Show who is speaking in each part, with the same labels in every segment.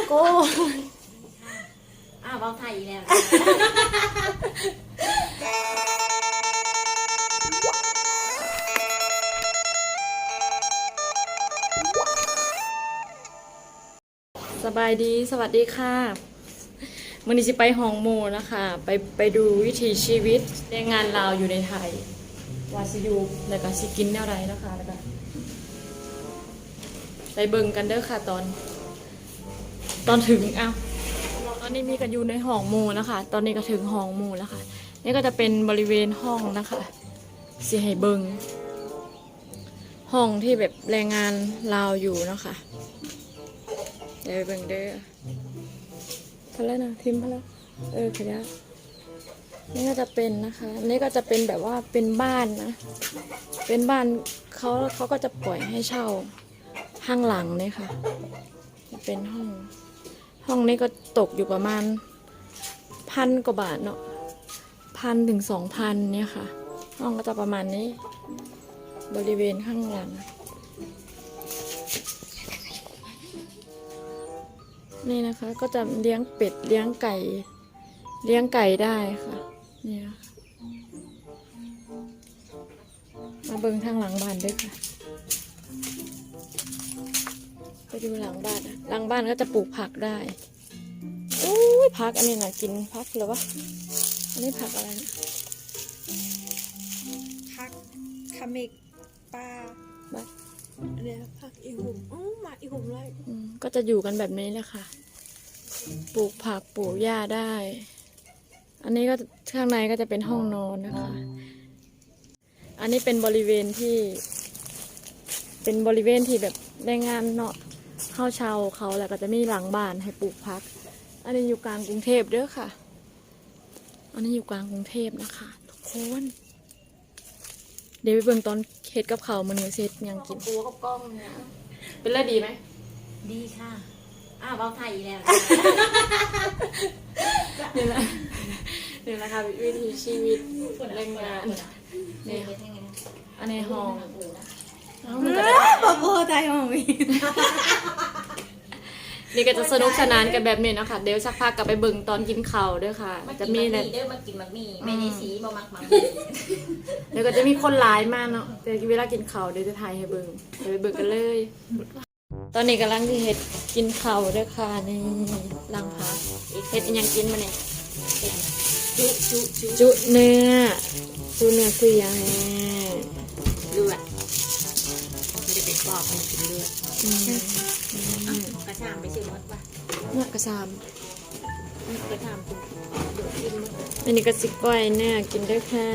Speaker 1: โก้
Speaker 2: เบาไทยอีกแล้ว
Speaker 1: สบายดีสวัสดีค่ะวันนี้จะไปห้องโมนะคะไปดูวิถีชีวิตแรงงานลาวอยู่ในไทยว่าสิอยู่แล้วก็สิกินแนวไรนะคะแล้วก็ไปเบิ่งกันเด้อค่ะตอนถึงตอนนี้มีกันอยู่ในห้องโมนะคะตอนนี้ก็ถึงห้องโมแล้วค่ะนี่ก็จะเป็นบริเวณห้องนะคะสิให้เบิ่งห้องที่แบบแรงงานลาวอยู่นะคะเดี๋ยวไปเบิ่งเด้อพอแล้วนะทิมพอแล้วขยะนี่ก็จะเป็นนะคะนี่ก็จะเป็นแบบว่าเป็นบ้านนะเป็นบ้านเขาก็จะปล่อยให้เช่าข้างหลังนี่ค่ะจะเป็นห้องนี้ก็ตกอยู่ประมาณ1,000 กว่าบาทเนาะ1,000 ถึง 2,000เนี่ยค่ะห้องก็จะประมาณนี้บริเวณข้างหลังนี่นะคะก็จะเลี้ยงเป็ดเลี้ยงไก่ได้ค่ะนี่ค่ะมาเบิ่งทางหลังบ้านด้วยค่ะไปดูหลังบ้านหลังบ้านก็จะปลูกผักได้โอ้ยผักอันนี้น่ะกินผักหรือวะอันนี้ผักอะไรนะ
Speaker 3: ผักขมิกปลา
Speaker 1: บ้า
Speaker 3: อันนี้ผักอีหุ่มมาอีหุ่มเลย
Speaker 1: ก็จะอยู่กันแบบนี้แหละค่ะปลูกผักปลูกหญ้าได้ อันนี้ก็ข้างในก็จะเป็นห้องนอนนะคะ อันนี้เป็นบริเวณที่แบบแรงงานเนาะเข้าเช่าเขาแล้วก็จะมีหลังบ้านให้ปลูกผัก อันนี้อยู่กลางกรุงเทพเด้อค่ะ อันนี้อยู่กลางกรุงเทพนะคะทุกคนเดี๋ยวไปเบิ่งตอนเฮ็ดกับเขาวมื้อนี้เสร็จยังกินปูกับกล้องเนี่ยเป็นไรดีไหม
Speaker 2: ดีค่ะเบาไทยอีกแล้ว
Speaker 1: นี่แหละค่ะวิถีชีวิตแรงงานนี่อันนี้ห้อง
Speaker 3: ปะโบไทยของมี
Speaker 1: นี่ก็จะสนุกสนานกันแบบนี้นะคะเดี๋ยวสักพักกลับไปเบิ่งตอนกินข้าวด้วยค่ะจะมี
Speaker 2: เด้อมากินมักมีไม่ได้สีบ่มัก
Speaker 1: เดี๋ยวก็จะมีคนหลายมากเนาะเดี๋ยวเวลากินข้าวเดี๋ยวจะถ่ายให้เบิ่งเดี๋ยวไปเบิ่งกันเลยตอนนี้กำลังที่เฮ็ดกินข้าวด้วยค่ะนี่ล้างผักเฮ็ดยังกินมาเนี่ยจุเนื้อคือยังไง
Speaker 2: เลือดไม่ได้เป็นปอบมันกินเลือดกระชามไปซื้อมดป่ะ
Speaker 1: เนื้อกระชาม
Speaker 2: กระชามดูกิน
Speaker 1: อันนี้ก็สิก้อยเนื้อกินด้วยค่ะ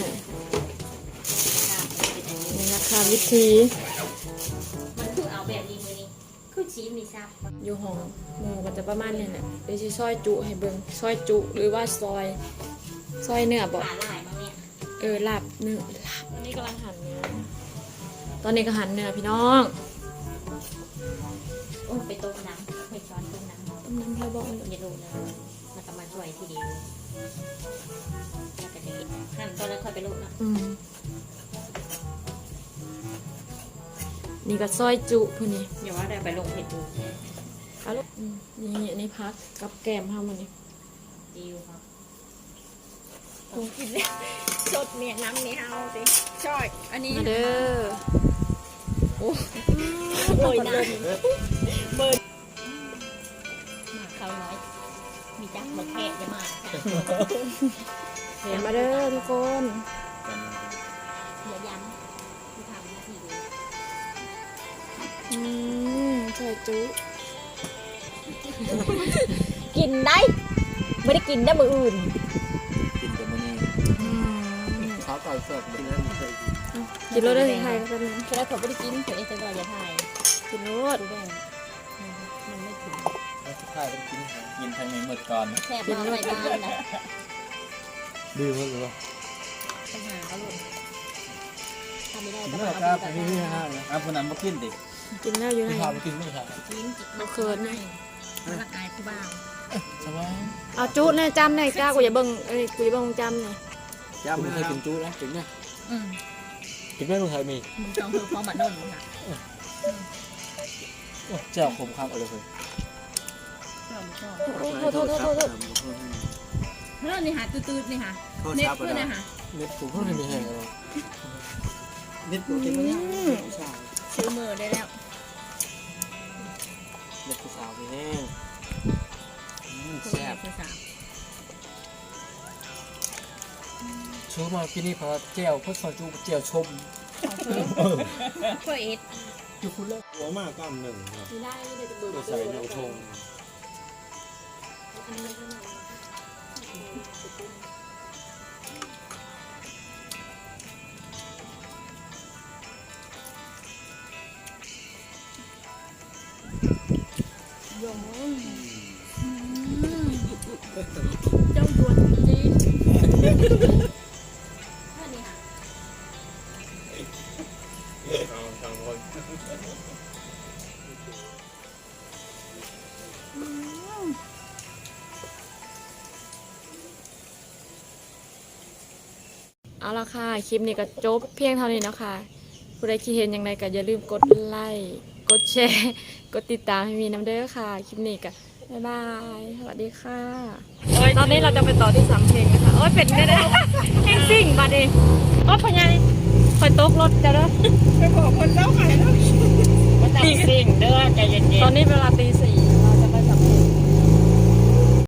Speaker 1: นี่นะคะวิธี
Speaker 2: มันคือเอาแบบนี้มือนี้คือชี้มีซับ
Speaker 1: อยู่ห้องหมูก็จะประมาณนี้แหละเดี๋ยวจะซอยจุให้เบิ่งซอยจุหรือว่าซอยเนื้อบอก
Speaker 2: ขาลายมาเนี่ย
Speaker 1: ลาบเนื้อลาบอันนี้กำลังหั่นเนื้อตอนนี้ก็หั่นเนื้อพี่น้อง
Speaker 2: ไปต้มน้ำไปช้อนต้มน้
Speaker 1: ำเราบอกมัน
Speaker 2: อย่าดูนะมันจะมาช่วยทีเดียวแล้วก็จะหั่นตอนแล้วค่อยไปลูกนะ
Speaker 1: นี่ก็ซอยจุพวกนี้
Speaker 2: อย่าว่าได้ไปลงเห็ดดู
Speaker 1: เอาลูกนี่อันนี้พักกับแกมทำมันนี่
Speaker 2: ดีครับ
Speaker 3: กินเลยสดเนี่ยน้ำเนี่ยเอาสิช่อยอันนี้
Speaker 1: มาเด้อ
Speaker 3: โอ้ยนะเบิร์ด
Speaker 2: มาเขาน้อยมีจักหมดแค่จะมา
Speaker 1: เห็นมาเด้อทุกคน
Speaker 2: อย่าย้ำที่ทำหน้าที่
Speaker 1: ใช่จุ
Speaker 2: กินได้ไม่ได้กินได้มืออื่น
Speaker 4: กินแต่มื้อนี้ข้าวไก่สดกินแล้วเคย
Speaker 1: กินรสได้ไทยก็เป็น
Speaker 2: แค่ผมไม่ได้กินเฉยๆแต่ก็อย่าถ่าย
Speaker 1: กินรส
Speaker 2: ดูแดงมันไม่ถึง
Speaker 4: แล้วสุดท้ายก็กินทางในหมดก่อน
Speaker 2: แซ่บมากในบ้านนะ
Speaker 4: ดีมากเลย
Speaker 2: ปัญหาเขาลูกทำไม่ได้
Speaker 4: ก็เอาไปที่ห้างนะคนนั้นมากินดิ
Speaker 1: กินแล้วอยู่ไหน
Speaker 4: พาไปกินไม่ใช่
Speaker 2: กิน
Speaker 1: มาเคิร์นไง
Speaker 2: มันอายผู้บ้าง
Speaker 4: ใช่ไหม
Speaker 1: เอาจุเนี่ยจำเนี่ยจ้ากูอย่าเบิ่งกูอย่าเบิ่งจำเนี่ย
Speaker 4: จำไม่เคยกินจุนะกินไหมกินไม่เคยมี
Speaker 2: มึงจองคือพอมาโน่นมึงอ่ะ
Speaker 4: เจ้าคมข้ามอะไรเลย
Speaker 1: โทษ
Speaker 2: เฮ้ยนี่หาตืดๆนี่ค่ะ
Speaker 4: โทษ
Speaker 2: เน็ต
Speaker 4: ครับ
Speaker 2: เพื่อนนะค่ะ
Speaker 4: เน็ตผมเพิ่งมีแหงเลยเน็ตผมเป็นผู้ชาย
Speaker 3: ซื้อมือได้แล้ว
Speaker 4: เน็ตผู้สาวมีแห้ง
Speaker 2: แซ่
Speaker 4: แซ่
Speaker 2: บบ ภาษา
Speaker 4: ชูมากินนี่เพราะเจียวพวกซอยจูเจียวชม
Speaker 3: เพื่อเอ็ด
Speaker 4: อยู่คุณเลิก
Speaker 5: หัวมากกำหนึ่งครับ
Speaker 1: ไม่ได้เดี๋ยวจะเบื่อ
Speaker 5: จะใส่เนื้อทง
Speaker 1: เจ้าดวนจีน
Speaker 2: เพื่อนนี่ค่ะ
Speaker 5: ทางคน
Speaker 1: เอาละค่ะ คลิปนี้ก็จบเพียงเท่านี้นะคะผู้ใดคิดเห็นอย่างไรก็อย่าลืมกดไลค์ กดแชร์ กดติดตามให้มีน้ำเด้อค่ะ คลิปนี้ก็บ๊ายบาย สวัสดีค่ะ ตอนนี้เราจะไปต่อที่สำเพ็งนะคะ โอ้ยเป็นได้แห้งซิ่งมาดิโอ้ยพญายคอยตกรถจะเด้อ
Speaker 3: ไปบอกคนเจ้าขายแล้ว
Speaker 2: มันต้องสิ่งเด้อใจเย็น
Speaker 1: ตอนนี้เวลาตี 4